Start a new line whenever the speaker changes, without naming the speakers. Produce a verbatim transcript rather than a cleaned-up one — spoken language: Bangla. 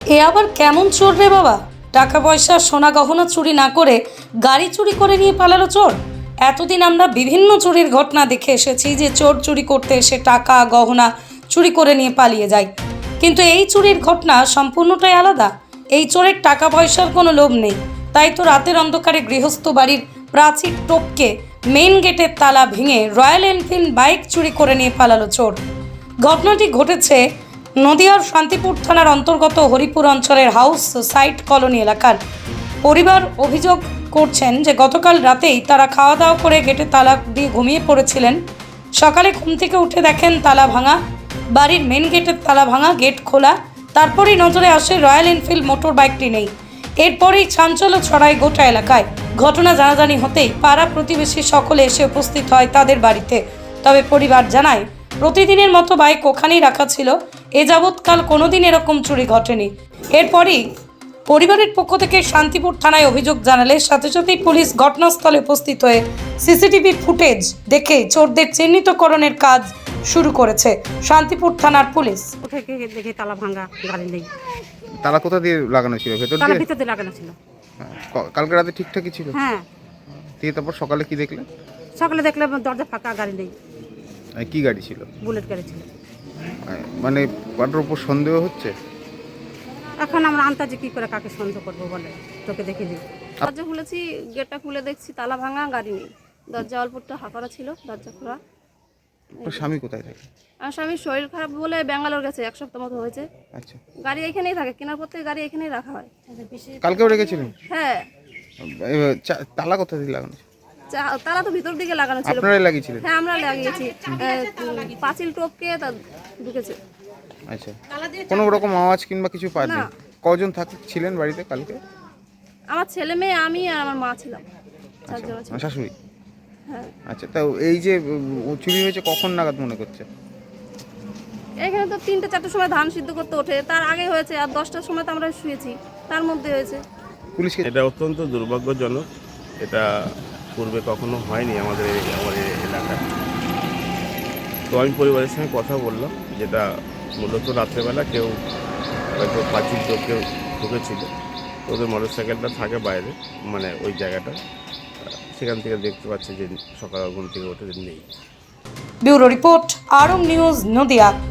এ আবার কেমন চোর রে বাবা? টাকা পয়সা সোনা গহনা চুরি না করে গাড়ি চুরি করে নিয়ে পালালো চোর। এতদিন আমরা বিভিন্ন চুরির ঘটনা দেখে এসেছি যে চোর চুরি করতে এসে টাকা গহনা চুরি করে নিয়ে পালিয়ে যায়, কিন্তু এই চুরির ঘটনা সম্পূর্ণটাই আলাদা। এই চোরের টাকা পয়সার কোনো লোভ নেই, তাই তো রাতের অন্ধকারে গৃহস্থ বাড়ির প্রাচীর টপকে মেইন গেটের তালা ভেঙে রয়্যাল এনফিল্ড বাইক চুরি করে নিয়ে পালালো চোর। ঘটনাটি ঘটেছে নদিয়ার শান্তিপুর থানার অন্তর্গত হরিপুর অঞ্চলের হাউস সাইট কলোনি এলাকার। পরিবার অভিযোগ করছেন যে গতকাল রাতেই তারা খাওয়া দাওয়া করে গেটে তালা দিয়ে ঘুমিয়ে পড়েছিলেন। সকালে ঘুম থেকে উঠে দেখেন তালা ভাঙা, বাড়ির মেন গেটের তালা ভাঙা, গেট খোলা। তারপরেই নজরে আসে রয়্যাল এনফিল্ড মোটর বাইকটি নেই। এরপরেই চাঞ্চল্য ছড়ায় গোটা এলাকায়। ঘটনা জানাজানি হতেই পাড়া প্রতিবেশী সকলে এসে উপস্থিত হয় তাদের বাড়িতে। তবে পরিবার জানায় প্রতিদিনের মতো বাইক ওখানেই রাখা ছিল, এ যাবৎকাল কোনোদিন এরকম চুরি ঘটেনি। এরপরই পরিবারের পক্ষ থেকে শান্তিপুর থানায় অভিযোগ জানালে সাথে সাথেই পুলিশ ঘটনাস্থলে উপস্থিত হয়ে সিসিটিভি ফুটেজ দেখে চোরদের চিহ্নিতকরণের কাজ শুরু করেছে শান্তিপুর থানার পুলিশ।
থেকে দেখে তালা ভাঙা, গাড়ি নেই।
তালা কোথা দিয়ে লাগানো ছিল? ভেতর
তালা
দিয়ে?
ভিতর দিয়ে লাগানো ছিল।
হ্যাঁ, ক- কালকে রাতে ঠিকঠাকই ছিল?
হ্যাঁ,
দিয়ে তারপর সকালে কি দেখলেন?
সকালে দেখলাম দরজা ফাঁকা, গাড়ি নেই।
আহ, কি গাড়ি ছিল?
বুলেট গাড়ি ছিল।
আহ, মানে কারোর উপর সন্দেহ হচ্ছে?
এখন আমরা আন্তাজে কি করে কাকে সন্দেহ করবো বলে, তোকে দেখে দিই।
দরজা খুলেছি, গেটটা খুলে দেখছি তালা ভাঙা, গাড়ি নেই। দরজা অল্পটা হাঁকড়া ছিল, দরজা খোলা।
আপনার স্বামী কোথায় থাকে?
আর স্বামীর শরীর খারাপ বলে ব্যাঙ্গালোর গেছে, এক সপ্তাহ মতো হয়েছে।
আচ্ছা,
গাড়ি এখানেই থাকে, কেনার পর থেকে গাড়ি এখানেই রাখা হয়।
কালকেও রেখেছিলেন?
হ্যাঁ,
এবার চা- তালা কোথা দিয়ে লাগানো ছিল?
চা- তালা তো ভিতর দিকে লাগানো ছিল।
আপনারাই লাগিয়েছিলেন?
হ্যাঁ, আমরা লাগিয়েছি। আহ, পাঁচিল টপকে তা ঢুকেছে।
আচ্ছা, কোনো রকম আওয়াজ কিংবা কিছু পাননি?
না।
কজন থাক ছিলেন বাড়িতে কালকে?
আমার ছেলে মেয়ে, আমি আর আমার মা ছিলাম, চারজন ছিল।
আমার শাশুড়ি?
হ্যাঁ,
আচ্ছা, তা এই যে উম, চুরি হয়েছে কখন নাগাদ মনে করছে?
এখানে তো তিনটে চারটের সময় ধান সিদ্ধ করতে ওঠে, তার আগে হয়েছে। আর দশটার সময় তো আমরা শুয়েছি, তার মধ্যে হয়েছে।
পুলিশকে?
এটা অত্যন্ত দুর্ভাগ্যজনক। এটা পূর্বে কখনো হয়নি আমাদের এই- আমার এই এলাকায়। তো আমি পরিবারের সঙ্গে কথা বললাম, যেটা মূলত রাত্রেবেলা কেউ হয়তো পাঁচিল কেউ ঢুকেছিল। তো ওদের মোটর সাইকেলটা থাকে বাইরে, মানে ওই জায়গাটা, সেখান থেকে দেখতে পাচ্ছে যে সকাল ঘুম থেকে উঠে যে নেই।
Bureau report, Arong news, Nadia.